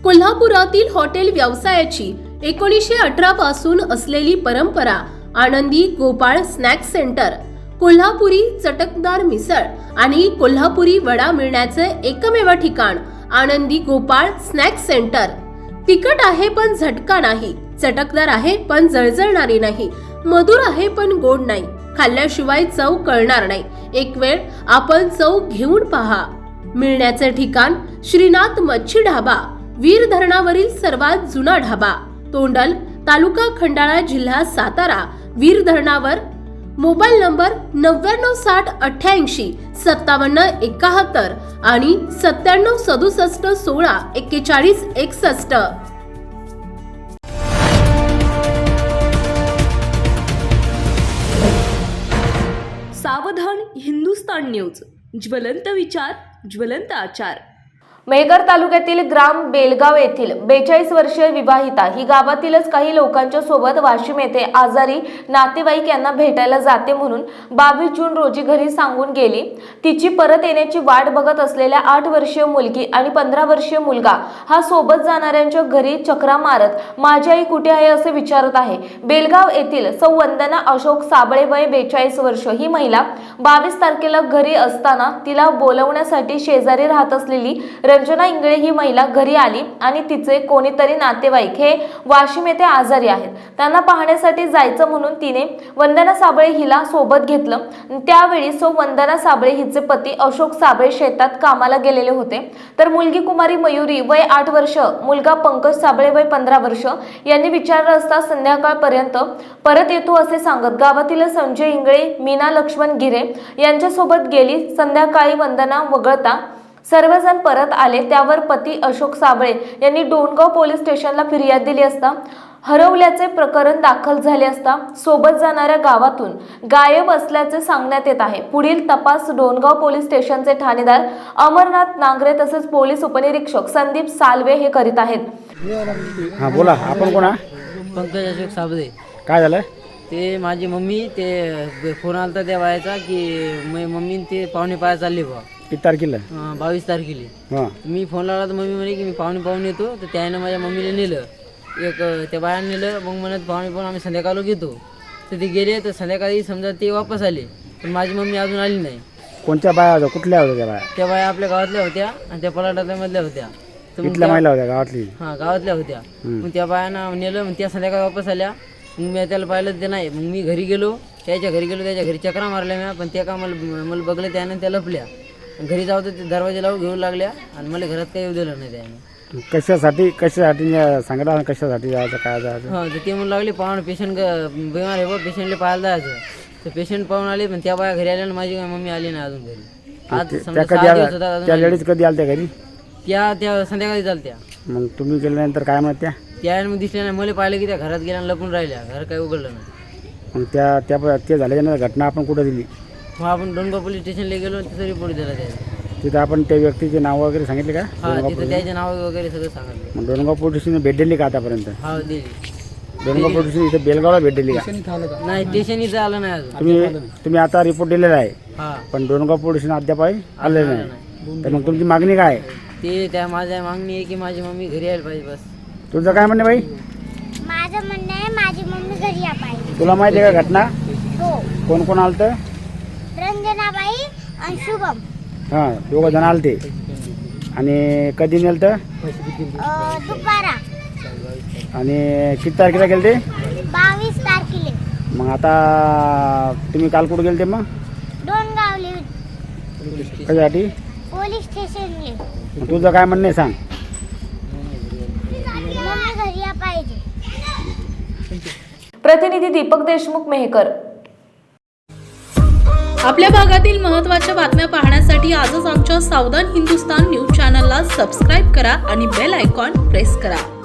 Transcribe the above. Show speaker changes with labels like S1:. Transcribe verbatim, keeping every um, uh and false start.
S1: कोल्हापुरातील हॉटेल व्यवसायाची एकोणीसशे अठरा पासून असलेली परंपरा आनंदी गोपाळ स्नॅक सेंटर, कोल्हापुरी चटकदार मिसळ आणि कोल्हापुरी वडा मिळण्याचे एकमेव ठिकाण आनंदी गोपाळ स्नॅक सेंटर। तिखट आहे पण झटका नाही, चटकदार आहे पण जळजळणारी नाही, मधुर आहे पण गोड नाही, खाल्ल्याशिवाय चव कळणार नाही। एक वेळ आपण चव घेऊन पहा। मिळण्याचे ठिकाण श्रीनाथ मच्छी ढाबा, वीर धरणावरील सर्वात जुना ढाबा, तोंडल, तालुका खंडाळा, जिल्हा सातारा। वीर धरणावर। मोबाईल नंबर नव्याण्णव साठ अठ्ठ्याऐंशी सत्तावन्न एकाहत्तर आणि सत्त्याण्णव सदुसष्ट सोळा एक्केचाळीस एकसष्ट।
S2: सावधान हिंदुस्तान न्यूज, ज्वलंत विचार, ज्वलंत आचार।
S3: मेहकर तालुक्यातील ग्राम बेलगाव येथील बेचाळीस वर्षीय विवाहिता ही गावातीलच काही लोकांच्या सोबत वाशिम येथे आजारी नातेवाईक यांना भेटायला जाते म्हणून बावीस जून रोजी घरी सांगून गेली। तिची परत येण्याची वाट बघत असलेल्या आठ वर्षीय मुलगी आणि पंधरा वर्षीय मुलगा हा सोबत जाणाऱ्यांच्या घरी चक्रा मारत माझी आई कुठे आहे असे विचारत आहे। बेलगाव येथील सौ वंदना अशोक साबळे, वय बेचाळीस वर्ष, ही महिला बावीस तारखेला घरी असताना तिला बोलवण्यासाठी शेजारी राहत असलेली रंजना इंगळे ही महिला घरी आली आणि तिचे कोणीतरी नातेवाईक हे वाशिम येथे आजारी आहेत, त्यांना पाहण्यासाठी जायचं म्हणून तिने वंदना साबळे हिला सोबत घेतलं। त्यावेळी सौ वंदना साबळे हिचे पती अशोक साबळे शेतात कामाला गेलेले होते, तर मुलगी कुमारी मयुरी वय आठ वर्ष, मुलगा पंकज साबळे वय पंधरा वर्ष यांनी विचारलं असता संध्याकाळपर्यंत परत येतो असे सांगत गावातील संजय इंगळे, मीना लक्ष्मण गिरे यांच्यासोबत गेली। संध्याकाळी वंदना वगळता सर्वजण परत आले। त्यावर पती अशोक साबळे यांनी डोणगाव पोलीस स्टेशनला फिर्याद दिली असता हरवल्याचे प्रकरण दाखल झाले असता सोबत जाणाऱ्या गावातून गायब असल्याचे सांगण्यात येत आहे। पुढील तपास डोणगाव पोलीस स्टेशनचे ठाणेदार अमरनाथ नांगरे तसेच पोलीस उपनिरीक्षक संदीप सालवे हे करीत आहेत।
S4: हां बोला, आपण कोण?
S5: पंकज अशोक साबळे।
S4: काय झालं?
S5: ते माझी मम्मी ते फोन आलता त्या बायाचा की मी मम्मी ते पाहुणे पाया चालले बा
S4: किती तारखेला?
S5: बावीस तारखेला।
S4: हां
S5: मी फोन लावला तर मम्मी म्हणे की मी पाहुणे पाहून येतो, तर त्यानं माझ्या मम्मीला नेलं, एक त्या बायानं नेलं। मग म्हणत पाहुणे पाहून आम्ही संध्याकाळला घेतो, तर ते गेले, तर संध्याकाळी समजा ते वापस आले, पण माझी मम्मी अजून आली नाही।
S4: कोणत्या बाया होत्या? कुठल्या होत्या त्या बाया?
S5: त्या बाया आपल्या गावातल्या होत्या आणि त्या पलाटातल्या होत्या। तर मग
S4: कुठल्या महिला होत्या गावातली?
S5: हां गावातल्या होत्या। मग त्या बायानं नेलं, मग त्या संध्याकाळी वापस आल्या। मग मी त्याला पाहिलं ते नाही, मग मी घरी गेलो, त्याच्या घरी गेलो, त्याच्या घरी चक्रा मारल्या मी, पण त्या का मला मला बघलं त्यानं त्या लपल्या। घरी जाऊ तर ते दरवाजे लावून घेऊन लागल्या आणि मला घरात काही येऊ दिलं नाही त्याने।
S4: कशासाठी कशासाठी सांगितलं? कशासाठी जायचं, काय जायचं?
S5: हां तर ते म्हणू लागले पाहून पेशंट बिमार आहे बा, पेशंटला पाहायला जायचं। तर पेशंट पाहून आले, पण त्या बाया घरी आल्या आणि माझी मम्मी आली नाही अजून घरी। आज समजा सहा दिवस होता अजून
S4: त्या लेडीज कधी आल्या त्या घरी?
S5: त्या त्या संध्याकाळी चालत्या।
S4: मग तुम्ही गेल्यानंतर काय म्हणत त्या?
S5: त्या मग दिसल्या नाही, मला पाहिलं की त्या घरात गेल्या आणि लपून राहिल्या, घर काही उघडलं नाही।
S4: मग त्या त्या ते झाल्याच्या घटना आपण कुठं दिली?
S5: मग आपण डोणगाव पोलीस स्टेशनला गेलो, तिथं रिपोर्ट दिला त्याचा।
S4: तिथं आपण त्या व्यक्तीचे नाव वगैरे सांगितले का?
S5: हां तिथं त्याचे नाव वगैरे सगळं सांगितलं।
S4: मग डोणगाव पोलीस स्टेशन भेट दिली का आतापर्यंत?
S5: हा दिली।
S4: डोणगाव पोलीस स्टेशन इथं बेलगावला भेट दिली का?
S5: नाही स्टेशन इथं आलं नाही अजून।
S4: तुम्ही तुम्ही आता रिपोर्ट दिलेला आहे,
S5: हां
S4: पण डोणगाव पोलीस स्टेशन अद्याप आलेलं नाही, तर मग तुमची मागणी काय आहे?
S5: ते त्या माझ्या मागणी आहे की माझी मम्मी घरी यायला पाहिजे बस।
S4: तुझं काय म्हणणं बाई?
S6: माझं म्हणणं आहे माझी मम्मी घरी या पाहिजे।
S4: तुला माहिती आहे का घटना?
S6: हो,
S4: कोण कोण आलतं?
S6: रंजनाबाई आणि शुभम।
S4: हां दोघं जण आलते। आणि कधी नेलतं?
S6: अं, दुपारा
S4: आणि किती तारखेला गेलते?
S6: बावीस तारखेला।
S4: मग आता तुम्ही काल कुठं गेलते? मग
S6: डोणगावले
S4: कशासाठी?
S6: पोलीस स्टेशनले।
S4: मग तुझं काय म्हणणं आहे सांग?
S6: मम्मी घरी या पाहिजे।
S3: प्रतिनिधी दीपक देशमुख, मेहकर।
S1: आपल्या भागातील महत्त्वाच्या बातम्या पाहण्यासाठी आजच आमच्या सावधान हिंदुस्तान न्यूज चॅनलला सबस्क्राईब करा आणि बेल आयकॉन प्रेस करा।